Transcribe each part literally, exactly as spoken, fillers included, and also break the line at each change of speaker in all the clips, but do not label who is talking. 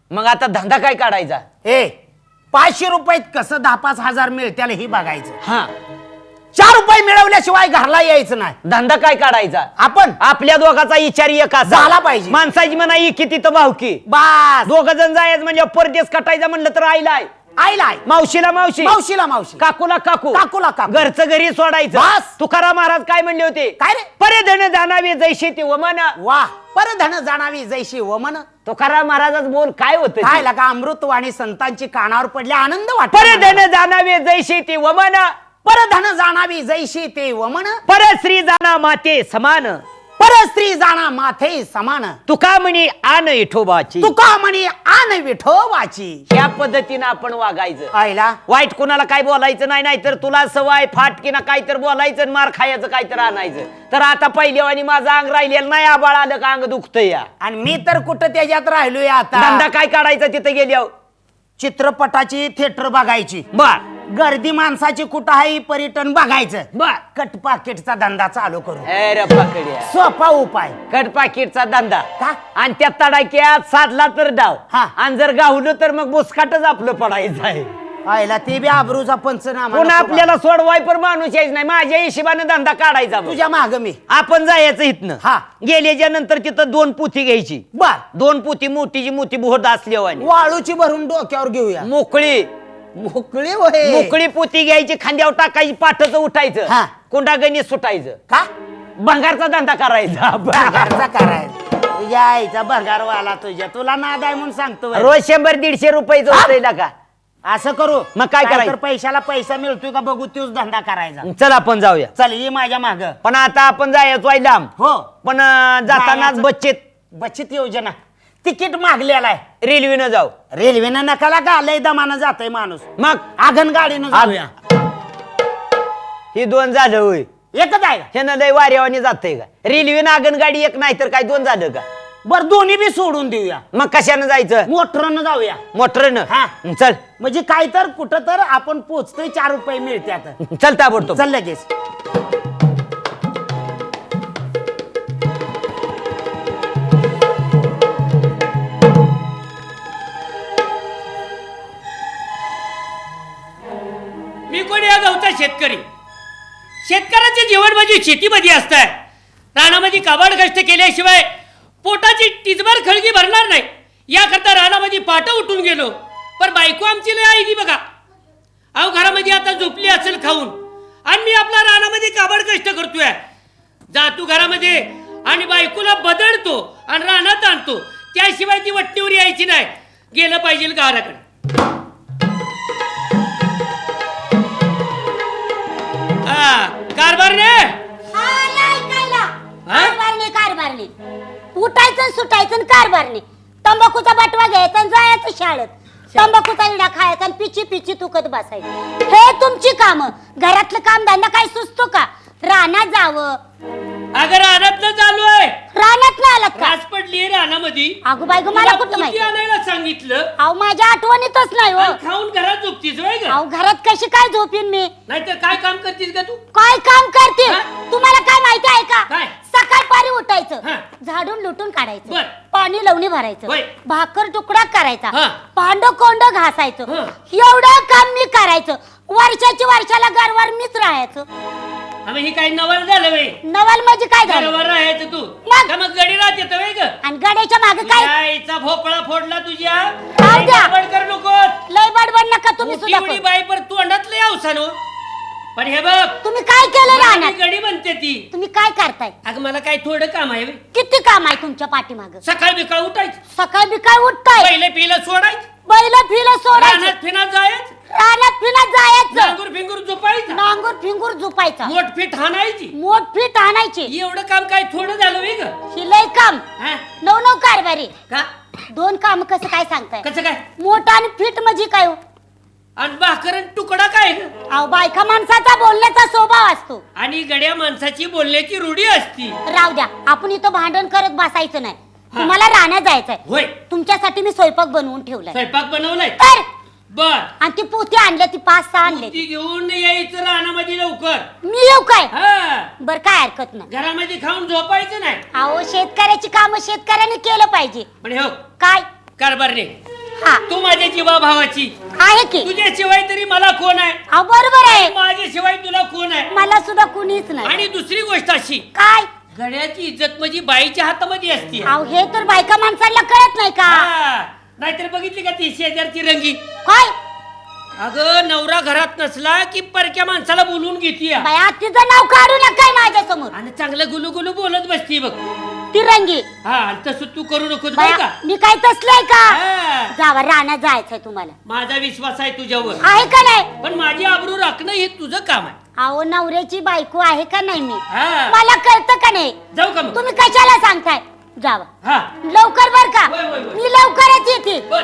मग आता धंदा काय काढायचा?
ए पाचशे रुपयात कसं दहा पाच हजार मिळत्याला ही बघायचं.
हा
चार रुपये मिळवल्याशिवाय घरला यायचं नाही.
धंदा काय काढायचा?
आपण
आपल्या दोघाचा विचार एक असा
झाला पाहिजे.
माणसाची म्हणा किती तर भावकी
बास
दोघ जण जायचं म्हणजे परदेश कटायचं म्हणलं तर आईला
आईला आई
मावशीला मावशी
मावशीला मावशी
काकूला काकू
काकूला काकू.
घरचं घरी सोडायचं.
बस.
तुकाराम महाराज काय म्हणले होते?
काय रे?
परेधन जाणावी जैशी ती वमन.
वा परधन जाणावी जैशी वमन.
तुकाराम महाराजाच बोल काय होत?
काय लागा अमृतवाणी संतांची कानावर पडले आनंद वाटतो.
परेधन जाणावी जैशी ती वमन.
परधन जाणावी जैशी ते वमन.
परश्री जाणा माते समान.
परस्त्री जाणा माथे समान.
तुका म्हणी आन विठोबाची.
तुका म्हणी आन विठोबाची.
ह्या पद्धतीनं आपण वागायचं.
आईला
वाईट कोणाला काय बोलायचं नाही, नाही तर तुला सवय फाटकीना काहीतर बोलायचं आणि मार खायचं काहीतर आणायचं. तर आता पहिल्या आणि माझं अंग राहिलेलं नाही. आबाळ आलं का अंग दुखतं या.
आणि मी तर कुठं त्याच्यात राहिलोय आता.
धंदा काय काढायचा तिथे गेल्यावर?
चित्रपटाची थिएटर बघायची.
बर
गर्दी माणसाची कुठं आहे पर्यटन बघायचं.
बर
कट पाकिटचा धंदा चालू करू.
अरे पकड्या
सोपा उपाय.
कट पाकिटचा धंदा
का?
आणि त्या तडाक्यात साधला तर डाव
हा.
आणि जर गावलं तर मग मुस्काटच आपलं पडायचं आहे.
आईला ते बी आबरूचा पंचनामा.
पुन्हा
नको बा.
आपल्याला सोडवाय पण माणूस यायच नाही. माझ्या हिशोबाने धंदा काढायचा बघ.
तुझ्या माग मी.
आपण जायचं इथनं.
हा.
गेल्याच्या नंतर तिथं दोन पुथी घ्यायची.
बर
दोन पुथी मोठीची मोठी बोहत असल्यावानी
वाळूची भरून डोक्यावर घेऊया.
मोकळी
मोकळी होय.
मोकळी पोती घ्यायची, खांद्यावर टाकायची, पाठच उठायचं,
हा.
कोंडा गणित सुटायचं.
का
भंगारचा धंदा करायचा.
भंगारचा करायचा. तुझ्या आईचा भंगारवाला तुझ्या तुला नाद आहे म्हणून सांगतो बरं.
रोज शंभर दीडशे रुपयाचं होतंय ना का?
असं करू
मग काय करायचं?
तर पैशाला पैसा मिळतोय का बघू तोच धंदा करायचा.
चल आपण जाऊया.
चल ये माझ्या माग.
पण आता आपण जायचो आहे लांब.
हो
पण अं, जातानाच
जायचं.
बच्चेत
बचत योजना तिकीट मागलेला आहे.
रेल्वेनं जाऊ.
रेल्वेनं नकाला का लय दमानं जातोय माणूस.
मग
आगन गाडीनं जाऊया.
ही दोन झालं होय.
एकच आहे का?
ह्यानं लय वाऱ्यावानी जातंय का? रेल्वेनं आगनगाडी एक नाही तर काय दोन झालं का?
बर दोन्ही बी सोडून देऊया.
मग कशानं जायचं?
मोटरनं जाऊया.
मोटरनं.
हा.
चल
म्हणजे काय तर कुठं तर आपण पोचतोय चार रुपये मिळतात.
चल ताबडतोब.
चल लगेच.
मी कोण या गावचा शेतकरी. शेतकऱ्याचे जीवन म्हणजे शेतीमध्ये असत आहे. रानामध्ये काबाड कष्ट केल्याशिवाय पोटाची टिचभर खळगी भरणार नाही. याकरता रानामध्ये पाट उठून गेलो. पण बायको आमची लय आईली बघा. अहो घरामध्ये आता झोपली असेल खाऊन आणि मी आपला रानामध्ये काबाड कष्ट करतोय. जातो घरामध्ये आणि बायकोला बदलतो आणि रानात आणतो. त्याशिवाय ती वट्टीवर यायची नाही. गेलं पाहिजे घराकडे. कारभारने
कारभारने कारभारने उठायचं सुटायचं कारभारने. तंबाखूचा बटवा घ्यायचा आणि जायचं शाळेत. तंबाखूचा इडा खायचा आणि पिची पिची तुकत बसायचं. हे तुमची कामं. घरातलं काम धंदा काय सुचतो का? रानात जावं.
अगं रानात चालू आहे.
रानात ना आलात का?
रास पडली रानामध्ये.
अगो बाय गो मला कुठं माहिती?
आणायला सांगितलं.
अहो माझ्या आठवणीतच नाही हो.
आणि खाऊन घरात झोपतीस वय ग?
अहो घरात कशी काय झोपीन मी?
नाहीतर काय काम करतीस का तू?
काय काम करते?
हा?
तुम्हाला काय माहिती आहे का?
काय?
सकाळपारी उठायचं,
हा.
झाडून लुटून काढायचं,
बर.
पाणी लावणी भरायचं,
होय.
भाकर तुकडा करायचा,
हा.
भांड कोंड घासायचं.
हा.
एवढं काम मी करायचं. वर्षाची वर्षाला घरवर मीच राहायचं.
आम्ही हे काही नवल झालं वय.
नवल म्हणजे काय झालं?
घरावर राहायचं तू.
मग?
का मग गडी राहत येतं वय ग?
आणि गड्याच्या मागे काय?
आईचा भोपळा फोडला तुझ्या.
राहू द्या.
बडबड कर नकोस.
लय बडबड नका तुम्ही
मोठी
सुद्धा
उडी
करू.
बाई पर तोंडात लय अवसान हो. पण हे बघ
तुम्ही काय केलं
मला
राहणार?
मी गडी बनते ती.
तुम्ही काय करताय?
अगं मला काय थोडं काम आहे बे.
किती काम आहे तुमच्या पाठीमाग?
सकाळ बिकाळ उठायचं.
सकाळ बी काय उठताय?
पहिले पिलं सोडायचं.
बैल फिल सोडायचं,
रानात फिनात जायचं.
रानात फिनात जायचं,
नांगूर फिंगूर झोपायचं.
नांगूर फिंगूर झोपायचा,
मोठ फिट हाणायची.
मोठ फीट आणायची.
एवढं काम काय थोडं झालं वे ग?
ही लय काम.
हा?
नऊ नऊ कारभारी.
का
दोन काम कसं काय सांगताय?
कसं काय?
मोठा आणि फीट म्हणजे काय हो?
आणि भाकर आणि तुकडा काय ग?
अहो बायका माणसाचा बोलण्याचा स्वभाव असतो.
आणि गड्या माणसाची बोलण्याची रूढी असती.
राहू द्या, आपण इथं भांडण करत बसायचं नाही. तुम्हाला राहण्यात जायचंय.
होय.
तुमच्यासाठी मी स्वयंपाक बनवून ठेवलाय.
स्वयंपाक बनवलाय
तर
बर.
आणि ती पोती आणल्या, ती पाच सहा आणले.
ती घेऊन यायचं रानामध्ये लवकर.
मी येऊ काय?
हा.
बर काय हरकत नाही.
घरामध्ये खाऊन झोपायचं नाही.
अहो शेतकऱ्याची कामं शेतकऱ्याने केलं पाहिजे.
पण हो
काय?
कारभारने
हा.
तू माझ्या जीवा भावाची
आहे की
तुझ्याशिवाय तरी मला कोण आहे
अहो बरोबर आहे
माझ्याशिवाय तुला कोण आहे
मला सुद्धा कुणीच नाही
आणि दुसरी गोष्ट अशी
काय
घड्याची इज्जत म्हणजे बाईच्या हातामध्ये असते
अहो हे तर बायका माणसाला कळत नाही का
हा. नाहीतर बघितली का ती शेजारची रंगी
काय
अगं नवरा घरात नसला की परक्या माणसाला बोलून घेतीय
बाया तिचं नाव काढू नका माझ्या समोर
आणि चांगलं गुलू गुलू बोलत बसती बघ
ती रंगी
हा आणि तसं तू करू नकोस बरं
बाया
का
मी काय तसलंय का
हा.
जावा राहण्यात जायचंय तुम्हाला
माझा विश्वास आहे तुझ्यावर
आहे का नाही
पण माझी आबरू राखणं हे तुझं काम आहे
अहो नवऱ्याची बायको आहे का नाही मी
हा.
मला कळतं का नाही
जाऊ का मग
तुम्ही कशाला सांगताय जावा
हा
लवकर बर का
होय, होय, होय.
मी लवकरच येते
बर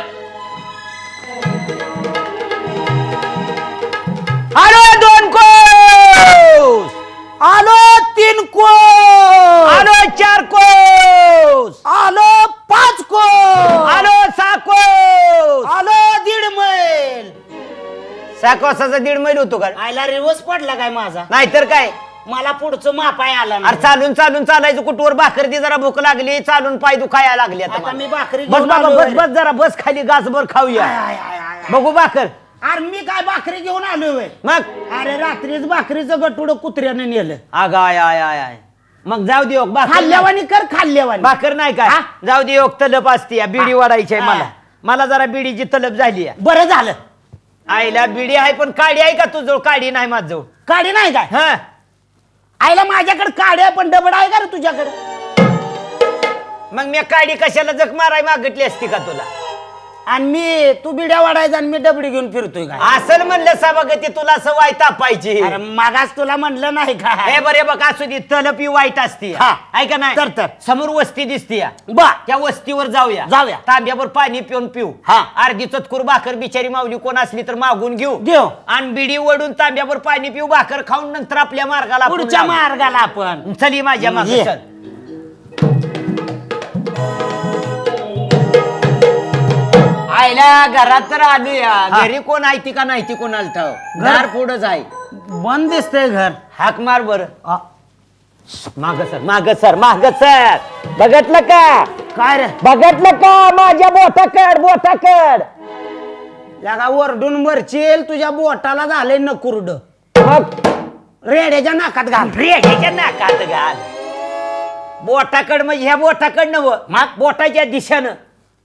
आलो दोन कोस,
आलो तीन कोस,
आलो चार कोस,
आलो पाच कोस,
आलो सहा कोस.
आलो दीड मैल.
सहा कोसाचा दीड मैल होतो का
आयला रिवर्स पडला काय माझा
नाहीतर काय
मला पुढचं मापाय आला
अरे
नाही.
चालून चालून चालायचं कुठवर भाकर दी जरा भूक लागली चालून पाय दुखायला लागली आता
आता
मला.
मी भाकरी
बस
घेऊन
बाबा
आलोय.
बस बस जरा बस खाली गासभर खाऊया
आय, आय, आय, आय.
बघू भाकर
अरे मी काय भाकरी घेऊन आलोय
मग
अरे रात्रीच भाकरीचं गटुड कुत्र्याने नेलं.
अग आय आय आय आय मग जाऊ दे योग भाकर नाही.
खाल्ल्यावानी कर खाल्ल्यावानी.
भाकर नाही काय
हा?
जाऊ दे योग तलप असते या, बिडी
हा.
वाढायची आहे
हा.
मला मला जरा बिडीची तलप झाली आहे.
बरं झालं
आईला बिडी आहे पण काडी आहे का तुझं काडी नाही माझं
काडी नाही काय
हा
आईला माझ्याकडे काडी आहे पण डबड आहे का रे तुझ्याकडे.
मग मी काडी कशाला जख माराय मागितली असती का तुला
आणि मी तू बिड्या वाढायचा आणि मी डबडी घेऊन फिरतोय काय.
असं म्हणलं सभागती तुला सवय तापायची
अरे मागास तुला म्हणलं नाही का
हे बरे बघ असू दे तलप ही वाईट असते
हा.
ऐका नाही
तर तर.
समोर वस्ती दिसते
बा
त्या वस्तीवर जाऊया
जाऊया.
तांब्यावर पाणी पिऊन पिऊ
हा.
अर्धी चतकुर भाकर बिचारी माऊली कोण असली तर मागून घेऊ
घेऊ.
आणि बिडी वडून तांब्यावर पाणी पिऊ भाकर खाऊन नंतर आपल्या मार्गाला आपण
पुढच्या
लागू.
मार्गाला आपण
चली माझ्या मागे
ये.
चल आयला घरात तर आलूया
हा.
घरी कोण आहे ती का नाही ती कोण आलत घर पुढंच आहे
बंद दिसतंय घर.
हाक मार बर
आ,
माग सर माग सर माग सर बघितलं का
काय रे
बघितलं का माझ्या बोटाकड बोटाकड
लगा वरडून मरचील तुझ्या बोटाला झाले नकुरड
मग
रेड्याच्या नाकात घाल.
रेड्याच्या नाकात घाल बोटाकड म्हणजे ह्या बोटाकड नव मग बोटाच्या दिशेनं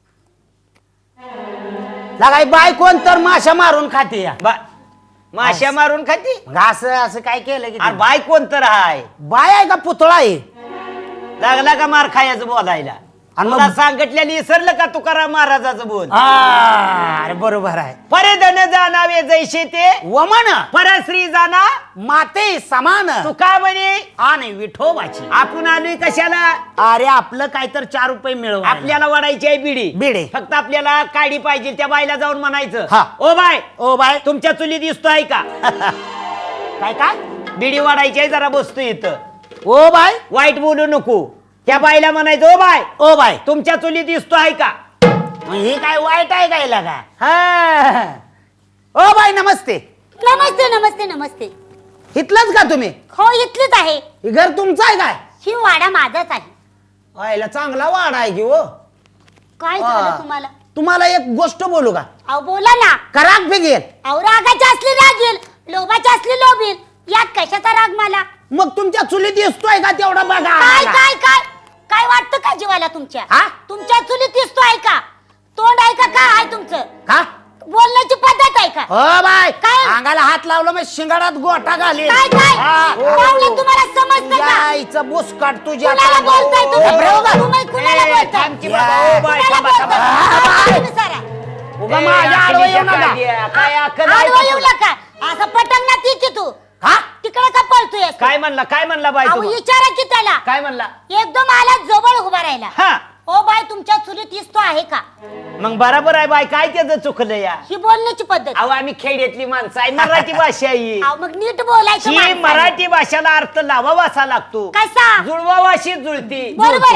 लगाय बाय कोण तर माशा मारून खाते या.
बा माश्या मारून खाती
घास असं काय केलं की
अरे
ते?
बाय कोण तर हाय
बाय आहे का पुतळा आहे.
लागला का मार खायचं बोलायला
आणि मग-
मला सांगितलेलं विसरलं का तुकाराम महाराजाचं बोल
आ, अरे बरोबर आहे.
परेधन जाणावे जैसे ते
वमन
परश्री जाना
माते समान
तू का म्हणे
आणि विठोबाची.
आपण आलोय कशाला
अरे आपलं काय तर चार रुपये मिळव
आपल्याला वाढायची आहे बिडी
बिडी.
फक्त आपल्याला काडी पाहिजे त्या बाईला जाऊन म्हणायचं
हा.
ओ बाय
ओ बाय
तुमच्या चुली दिसतोय का
काय काय
बिडी वाढायची आहे जरा बसतो इथं
ओ बाय
वाईट बोलू नको त्या बाईला म्हणायचं ओ बाय
ओ बाय
तुमच्या चुली दिसतोय का
मग हे काय वाईट आहे काय लगा हा. ओ बाय नमस्ते.
नमस्ते नमस्ते नमस्ते
इथलंच का तुम्ही
हो इथलीच आहे
हे घर तुमचं आहे काय.
ही वाडा माझाच आहे
व्हायला चांगला वाडा आहे की हो.
काय
हा.
झालं तुम्हाला
तुम्हाला एक गोष्ट बोलू का
अहो बोला ना
कराक फिगेल.
अहो रागाची असली राग येईल लोभाची असली लोभ येईल यात कशाचा राग मला
मग तुमच्या चुलीत दिसतोय का तेवढा बघा
काय
आम्हाला.
काय काय काय वाटतं का जीवाला तुमच्या
हा?
तुमच्या चुलीत दिसतो आहे का तोंड आहे का काय आहे तुमचं
का
बोलण्याची पद्धत आहे का
हो बाय
काय?
अंगाला हात लावला मग शिंगाडात गोटा घालील.
काय काय
हा.
पाहुणे तुम्हाला समजतं का
यायचं बुसकाट तुझ्या
कुणाला बोलताय तुम्ही
गप्रे हो का?
तुम्ही कुणाला
ए,
बोलताय
थांब की
या.
बाबा, ओ बाय,
कुणाला
थांबा, थांबा.
बोलताय? तुम्ही सारा.
उगा माझ्या आडवं येऊ नका.
काय अक्कल आहे
आडवं
का
येऊ
तुला?
नका असं पटंगणात ये की तू
हा
तिकडे का पळतोय
काय म्हणला काय म्हणला बाई
अहो
तू
विचारा की त्याला
काय म्हणला
एकदम आला जवळ उभा राहिला
हा
ओ बाय तुमच्या चुलीत दिसतो आहे का
मग बरोबर आहे बाई काय त्याचं चुकलं या
ही बोलण्याची पद्धत
अहो आम्ही खेड्यातली माणसं आहे मराठी भाषा आहे
अहो, मग नीट बोलायचं
ही
माणसाने.
मराठी भाषाला अर्थ लावावासा लागतो
कसा
जुळवावाशी जुळती
बरोबर
जुळते.
आहे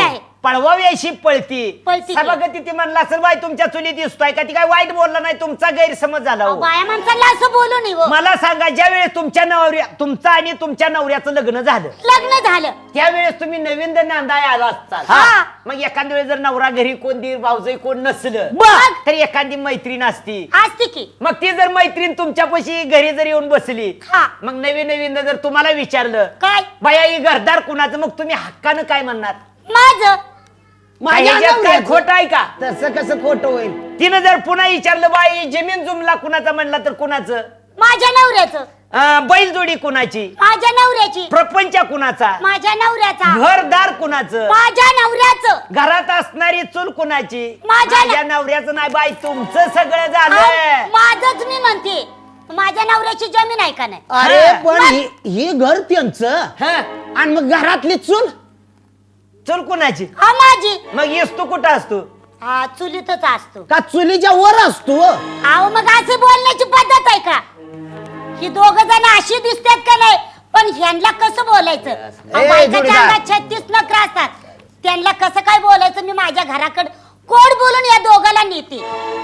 पळवाव्याशी पळती
पळती की.
सभागती ती म्हणला असेल बाई तुमच्या चुली दिसतोय का ती काय वाईट बोलला नाही तुमचा गैरसमज झाला
अहो,
हो.
बाया माणसाला असं बोलू नये हो.
मला सांगा ज्या वेळेस तुमच्या नवऱ्या तुमचं आणि तुमच्या नवऱ्याचं लग्न झालं
लग्न झालं
त्यावेळेस तुम्ही नवीन नांदाय आला असताल
हा.
मग एखाद्या वेळेस जर नवरा घरी कोण दीर भाऊजई कोण नसलं
बघ.
तर एखादी मैत्रीण असती
असते की
मग ती जर मैत्रीण तुमच्यापाशी घरी जर येऊन बसली
हा.
मग नवीन नवीन जर तुम्हाला विचारलं
काय
बाया ही घरदार कुणाचं मग तुम्ही हक्कानं काय म्हणणार
माझं
काय ह्याच्यात काय खोट आहे का
तसं कसं खोटं होईल?
तिनं जर पुन्हा विचारलं बाई जमीन जुमला कुणाचा म्हणला तर कुणाचं
माझ्या नवऱ्याचं
अं, बैलजोडी कुणाची
माझ्या नवऱ्याची
प्रपंच कुणाचा
माझ्या नवऱ्याचा
घरदार कुणाचं
माझ्या नवऱ्याचं
घरात असणारी चूल कुणाची
माझ्या
माझ्या नवऱ्याचं नाही बाई तुमचं सगळं
अहो,
झालं
माझंच मी म्हणते माझ्या नवऱ्याची जमीन आहे का नाही
अरे
हा.
पण ही ही घर त्यांचं
हं?
आणि मग घरातली चूल
चूल कुणाची
हा माझी
मग येस तू कुठं असतो
हा चुलीतच असतो
का चुलीच्या वर असतो?
अहो मग अशी बोलण्याची पद्धत आहे का ही दोघ जण अशी दिसतात का नाही पण ह्यांना कसं बोलायचं अहो, बायकाच्या
जोडीदार.
अंगात छत्तीस नखर असतात त्यांना कसं काय बोलायचं मी माझ्या घराकडे कोड बोलून या दोघाला नेते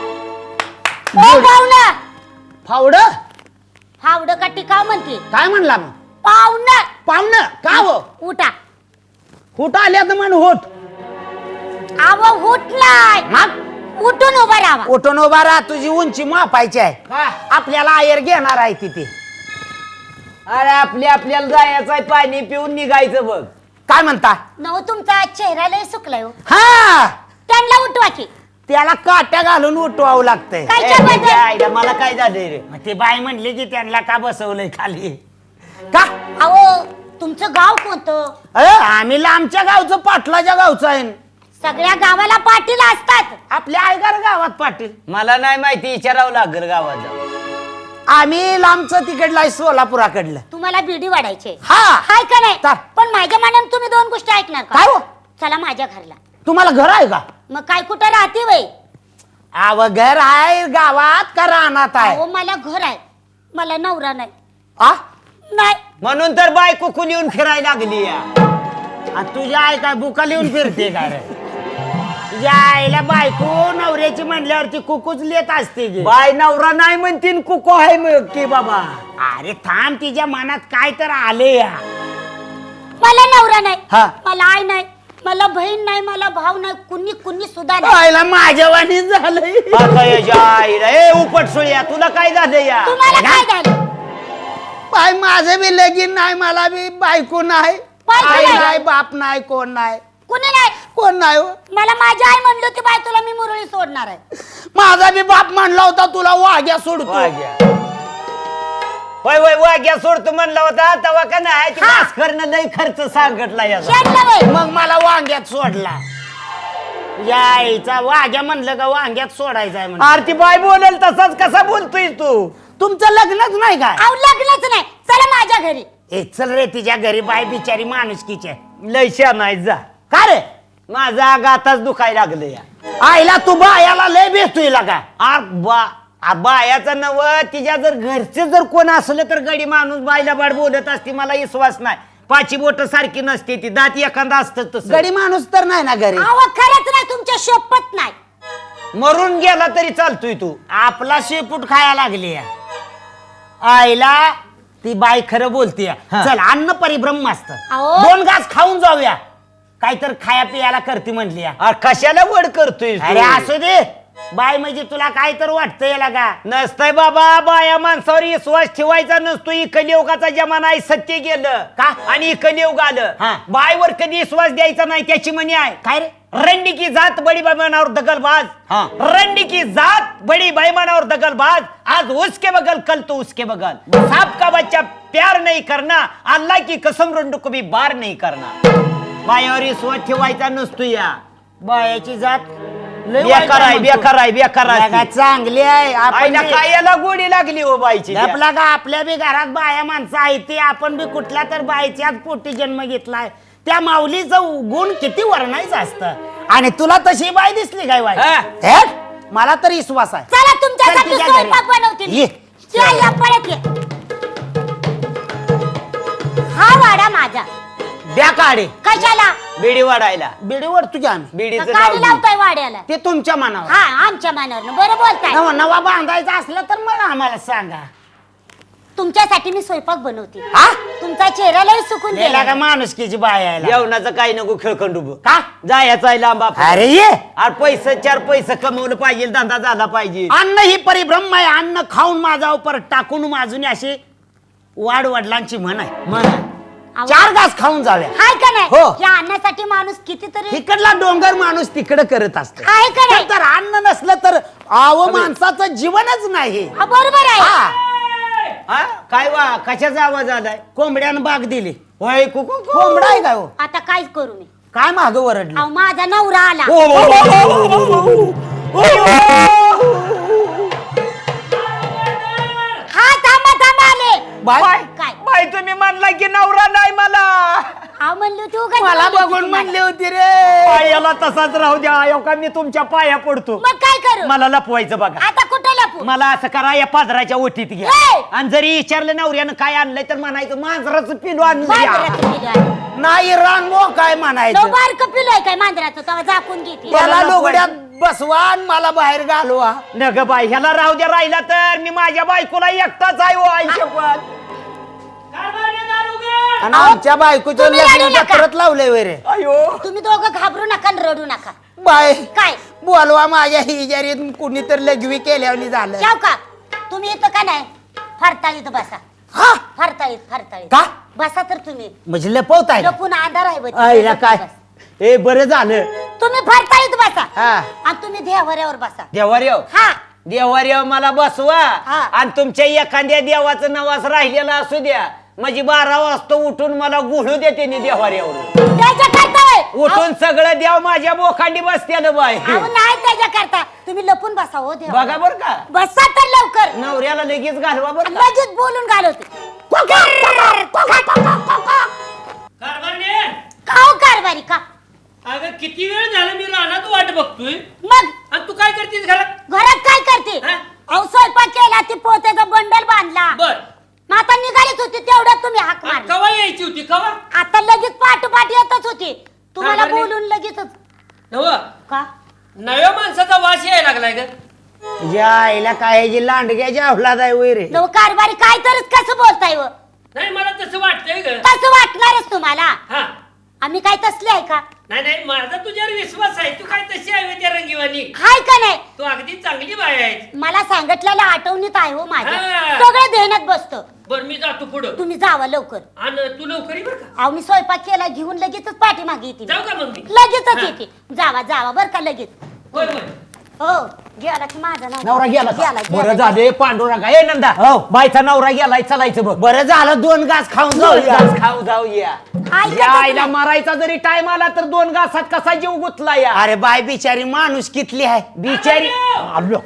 ओ पाहुणा
फावड
फावडं का टिकाव म्हणते
काय म्हणला मग?
पाहुणा
पाहुणं का हो?
उठा
कुठं आल्या तर म्हण होत
आव उठलाय
मग
उठून उभा राहा
उठून उभा राहा तुझी उंची मापायची आहे
का?
आपल्याला आयर घेणार आहे तिथे.
अरे आपल्या आपल्याला जायचं आहे पाणी पिऊन निघायचं बघ
काय म्हणता?
नव तुमचा चेहरा लय सुकलाय हो.
हा
त्यांना उठवा की
त्याला काट्या घालून उठवावं लागतंय.
काय
ए,
च्या
त्याच्या
बद्दल?
आईला मला काय झालंय रे
मग ती बाई म्हणली की त्यांना का बसवलंय खाली का?
अहो तुमचं गाव कोणतं
अ, आम्ही लांबच्या गावचं पाटलाच्या गावचं आहे.
सगळ्या गावाला पाटील असतात
आपल्या आयगार गावात पाटील.
मला नाही माहिती विचारावं लागेल गावात जाऊन.
आम्ही लांबचं तिकडलं आहे सोलापुराकडलं.
तुम्हाला बिडी वाढायचे
हा
हाय का नाही
चा-
पण माझ्या मनाने तुम्ही दोन गोष्टी ऐकणार का
काय हो?
चला माझ्या घरला
तुम्हाला घर आहे का?
मग काय कुठं राहते वय
आव घर आहे गावात का रानात आहे?
अहो मला घर आहे मला नवरा नाही
आ?
नाही
म्हणून तर बायको कुली येऊन फिरायला लागली या
आ, तुझ्या आई काय बुका लिहून फिरते काय रे? तुझ्या आईला बायको नवऱ्याची म्हणल्यावरती कुकूच लेत असते की.
बाय नवरा नाही म्हणतीन कुको आहे मग की बाबा
अरे थांब तिच्या मनात काय तर आले या.
मला नवरा नाही
हा.
मला आई नाही मला बहीण नाही मला भाऊ नाही कुणी कुणी सुद्धा नाही
आईला माझ्या वाणी झालंय.
आता याच्या आईला ए उपट सोळ्या तुला काय झालं या
तुम्हाला काय झालं
बाय माझं बी लगीन नाही मला बी बायको नाही
बायको
आई
नाही.
नाही बाप नाही कोण नाही
कुणी नाही
कोण नाही हो.
मला माझी आई म्हणली होती बाय तुला मी मुरळी सोडणार आहे
माझा बी बाप म्हणला होता तुला वाघ्या सोडतो.
वाग्या होय होय वाग्या सोडतो म्हणला होता तेव्हा का नाही ते
हा.
भास्करनं लय खर्च सांगितला याचा
शेणलं वय
मग मला वांग्यात सोडला. यायचा वाघ्या म्हणलं का वांग्यात सोडायचा आहे म्हणलं.
आरती बाय बोलेल तसाच कसा बोलतोय तू
तुमचं लग्नच नाही काय?
अहो लग्नच नाही चला माझ्या घरी
ए चल रे तिच्या घरी बाय बिचारी माणुसकीची आहे.
लय शा नाही जा
का रे?
माझा गाताच दुखायला लागलं या
आईला तू बायाला लय भेटतोय का?
आर बा आ बायाचं नव तिच्या जर घरचे जर कोण असलं तर गडी माणूस बायला बाड बोलत असते मला विश्वास नाही पाची बोट सारखी नसते ती दात एखादा असत तसं
गडी माणूस तर नाही ना घरी.
अहो खरंच नाही तुमच्या शपथ नाही
मरून गेला तरी चालतोय तू
आपला शेपूट खाया लागली या. आईला ती बाई खरं बोलते
हा.
चल अन्न परिभ्रम असत
अहो.
दोन घास खाऊन जाऊया काहीतर खाया पियाला करते म्हणली या.
आ, कशाला वड करतोय तू?
अरे असू दे बाई म्हणजे तुला काय तर वाटतं याला का?
नसतंय बाबा बाया माणसावर विश्वास ठेवायचा नसतो ही कलियुगाचा जमाना आहे सत्य गेलं
का?
आणि कलियुग आलं
हा.
बायवर कधी विश्वास द्यायचा नाही त्याची म्हणी आहे
काय रे?
रंडी की जात बड़ी बैमानावर दगलबाज
हा.
रंडी की जात बड़ी बैमानावर दगलबाज आज उसके बगल कल तो उसके बगल सांप का बच्चा प्यार नहीं करना अल्लाह की कसम रंडू को भी बार नहीं करना बायावर विश्वास ठेवायचा नसतो या
बायाची जात लय वाईट
बेकार आहे
म्हणतो.
बेकार आहे बेकार
लगा
आहे
चांगली आहे आपण
आईला
बी-
काय याला गोडी लागली हो बाईची त्या.
आपला का आपल्या बी घरात बाया माणसं आहेत ते आपण बी कुठल्या तर बाईच्याच पोटी जन्म घेतलाय त्या माऊलीचं गुण किती वर्णायचं असतं आणि तुला तशी बाई दिसली काय बाई
हा.
हे? मला तर विश्वास आहे
चला
चल
तुमच्यासाठी
तुझ्या
स्वयंपाक
घरी.
बनवते
ये.
चल या पळत ये हा वाडा माझा
द्या काढे
कशाला
बिडी वाढायला
बिडीवर तुझ्या आम्ही
बिडीचं
गाडी
नाव
लावताय वाड्याला
ते तुमच्या मनावर
हा आमच्या मनावर बरं बोलताय
नवा नवा बांधायचा असलं तर मग आम्हाला सांगा.
तुमच्यासाठी मी स्वयंपाक बनवते
हा
तुमचा चेहरा लय सुकून
गेला
गेला
का माणुसकीची बाय यायला
जेवणाचं काही नको खेळखंडू
का
जायचं आहे लांब आपण.
अरे ये
अरे पैसे चार पैसे कमवलं पाहिजे धंदा झाला पाहिजे.
अन्न ही परिभ्रम आहे. अन्न खाऊन माझा परत टाकून माजून अशी वाड वडिलांची म्हण आहे.
अहो,
चार घास खाऊन जाव्या.
हाय का नाही
हो.
या अन्नासाठी माणूस कितीतरी
तिकडला डोंगर माणूस तिकडे करत असतो.
आहे का नाही?
तर अन्न नसलं तर आव माणसाचं जीवनच नाही.
हा, बरोबर आहे
हा.
हा काय वा कशाचा आवाज आलाय?
कोंबड्यानं बाग दिली.
होय कुकू कु.
कोंबडा आहे का हो?
आता काय करू मी
काय माग वरडलं?
अहो माझा नवरा आला
ओ, ओ, ओ, ओ, ओ, ओ, ओ.
हा थांबा थांबा आले
बाय
बाय
काय?
बाय तुम्ही म्हणला की नवरा नाही मला.
अहो म्हणलो तू काय
मला
बोलली
बघून
तुम्हाला?
म्हणली होती रे.
पायाला तसाच राहू द्या अयो का मी तुमच्या पाया पडतो.
मग काय करू
मला लपवायचं बघा.
आता कुठे लपू
मला असं करा या पादराच्या ओटीत घ्या
ए!
आणि जरी विचारलं नवऱ्यानं काय आणलंय तर म्हणायचं मांजराचं पिलू आणलं या.
मांजराचं पिलू आहे.
नाही रांगो काय
तो
म्हणायचं.
बारकं पिलू आहे काय मांजराचं तेव्हा झाकून घेते
त्याला लुगड्यात बसवा आणि मला बाहेर घालवा.
न ग बाई ह्याला राहू द्या राहिला तर मी माझ्या बायकोला एकटाच आहे हो आयुष्यभर.
आणि आमच्या बायकोच्या
तुम्ही रडू
लग्नाला
नका.
परत लावले वरे.
अयो
तुम्ही दोघं घाबरू नका आणि रडू नका
बाय
काय
बोलवा माझ्या हिजारीत कुणी तर लघवी केल्यावर झालं.
जाऊ का तुम्ही इथं का नाही फरताळीत बसा
हा
फरताळीत फरताळीत
का?
बसा तर तुम्ही
म्हणजे लपवताय का?
लपून अंधार आहे बघ.
आईला काय
बस.
ए बरं झालं.
तुम्ही फरताळीत बसा
हा
आणि तुम्ही देवाऱ्यावर बसा
देवाऱ्याव
हा
देवाऱ्याव मला बसवा
हा.
आणि तुमच्या एखाद्या देवाचं नवास राहिलेला असू द्या म्हणजे बारा वाजता उठून मला गुळू देते नि देवाऱ्यावर
त्याच्या करता होय.
उठून सगळं देव माझ्या बोखांडी बसते बाय.
अहो, नाही त्याच्या करता तुम्ही लपून बसा हो देवा
बघा बर का
बसा तर लवकर
नवऱ्याला लगेच घालवा बर का.
लगेच बोलून घालवते
कारभारने
का हो कारभारी का
अगं किती वेळ झाला मी रानात वाट बघतोय
मग
आणि तू काय करतेस घरात?
घरात काय करते
हा?
अहो स्वयंपाक केला ती पोत्याचा बंडल बांधला
बर
मग आता निघालीच होती तेवढ्यात तुम्ही हाक
आणि
मारली
कवा यायची होती कवा?
आता लगेच पाठोपाठ येतच होती तुम्हाला
कारभारी?
बोलून लगेचच
नव
का
नव्या माणसाचा वास यायला लागलाय ग.
तुझ्या आईला काय जी लांडग्याची अवलाद आहे वैरे.
नव कारभारी काय तरच कसं बोलताय व
नाही मला तसं वाटतंय ग.
कसं वाटणारच तुम्हाला
हा
आम्ही काय तसले आहे का
नाही नाही माझा तुझ्यावर विश्वास आहे. तू काय तशी आहे त्या रंगीवानी.
हाय का नाही
तू अगदी चांगली बाय आहे.
मला सांगितलेल्या आठवणीत आहे हो माझ्या
हा.
सगळं ध्यानात बसतं
बर मी जातो पुढं
तुम्ही जावा लवकर
आणि तू लवकर ये बर का.
अहो मी स्वयंपाक केला घेऊन लगेचच पाठीमागे येते
जाऊ
मी.
का मग मी?
लगेचच
हा.
येते जावा जावा बर का लगेच
होय होय
हो गेला की माझा
नवरा गेला का?
गेला
बरं
गेला.
झाले पांडुरंगा ए नंदा
हो.
बायचा नवरा गेलाय चलायचं बघ.
बरं झालं दोन घास खाऊन
दोन
जाऊया.
घास खाऊ जाऊया
ऐकतच
या आईला
नाही.
मारायचा जरी टाइम आला तर दोन घासात कसा जीव गुतला या
अरे बाय बिचारी माणूस कितली आहे.
बिचारी
आलो.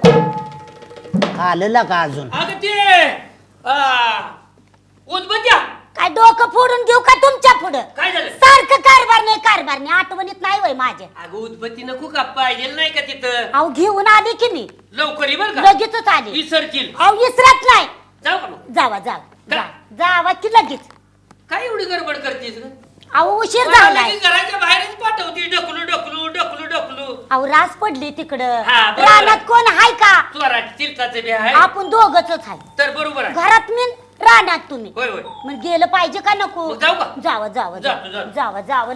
आलेला का अजून
अगं ते आ, उदबत्या
काय डोकं फोडून घेऊ का तुमच्या पुढं
काय झालं?
सारखं कारभार नाही कारभार नाही आठवणीत नाही वय माझ्या
अगं उदबत्ती नको का पाहिजे नाही का तिथं?
अहो घेऊन आली की मी
लवकर ये बर का.
लगेचच आली
विसरतील.
अहो विसरत नाही
जाऊ का मग?
जावा जावा
का?
जा- जावा की लगेच
काय एवढी गडबड करतेस ग?
अहो उशीर
मला
झालाय
लगेच घराच्या बाहेरच पाठवती ढकलू ढकलू ढकलू ढकलू.
अहो रास पडली तिकडं
हा, बरोबर.
रानात कोण हाय का
चोराट तीर्थाचे बी आहे
आपण दोघच आहे
तर बरोबर आहे.
घरात मी रानात तुम्ही
होय होय
मग गेलं पाहिजे का नको
मग जाऊ का?
जावा जावा
जातो, जातो.
जावा जावा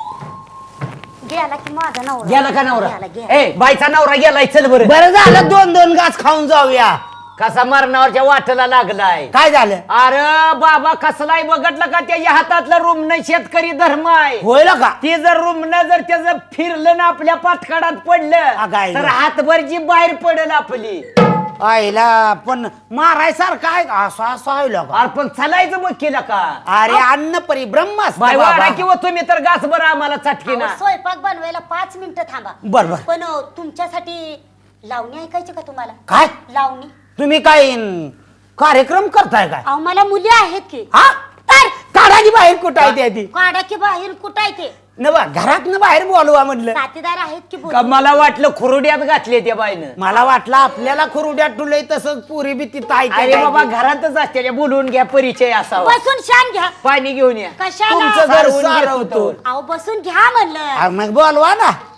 गेला की माझा नवरा
गेला का नवरा
गेला, गेला.
ए बायचा नवरा गेलाय चल बरं.
बरं झालं दोन दोन घास खाऊन जाऊया.
कसा मरणावरच्या वाटेला लागलाय.
काय झालं
अरे बाबा कसलाय बघितलं का त्याच्या हातातलं रुमन शेतकरी धर्म आहे.
होईल का?
ती जर रुमन जर त्याचं फिरलं ना आपल्या पातकाडात पडलं
अगाय.
तर हातभर जी बाहेर पडेल आपली.
आईला पण मारायसारखं आहे का? असं असं आहे का?
अरे पण चालायचं मग केलं का
अरे अन्न परिभ्रम असतं
बाय
बाबा.
वाडा किंवा तुम्ही तर घास बरं आम्हाला चटकी ना
अहो, स्वयंपाक बनवायला पाच मिनिटं थांबा
बर बर
पण अ, तुमच्यासाठी लावणी ऐकायची का तुम्हाला
काय
लावणी
तुम्ही काय अं, कार्यक्रम करताय काय?
अहो मला मुली आहेत की
हा
तर
काढाची बाहेर कुठं आहे त्या ती?
काढा की बाहेर कुठं आहे ते
न बा घरात न बाहेर बोलवा म्हणलं.
साथीदार आहेत की
का
बोलू?
मला वाटलं खुरुड्यात घातले त्या बाईनं.
मला वाटलं आपल्याला खुरुड्यात ठुलय तसंच पुरी बी तिथं आहे
अरे
त्या
बाबा
जागी.
घरातच असते बोलवून घ्या परिचय असावा.
बसून शान घ्या.
पाणी घेऊन या.
कशाला?
तुमचं घर
सारं
घेतो.
होतं.
अहो बसून घ्या म्हणलं.
अरे मग बोलवा ना.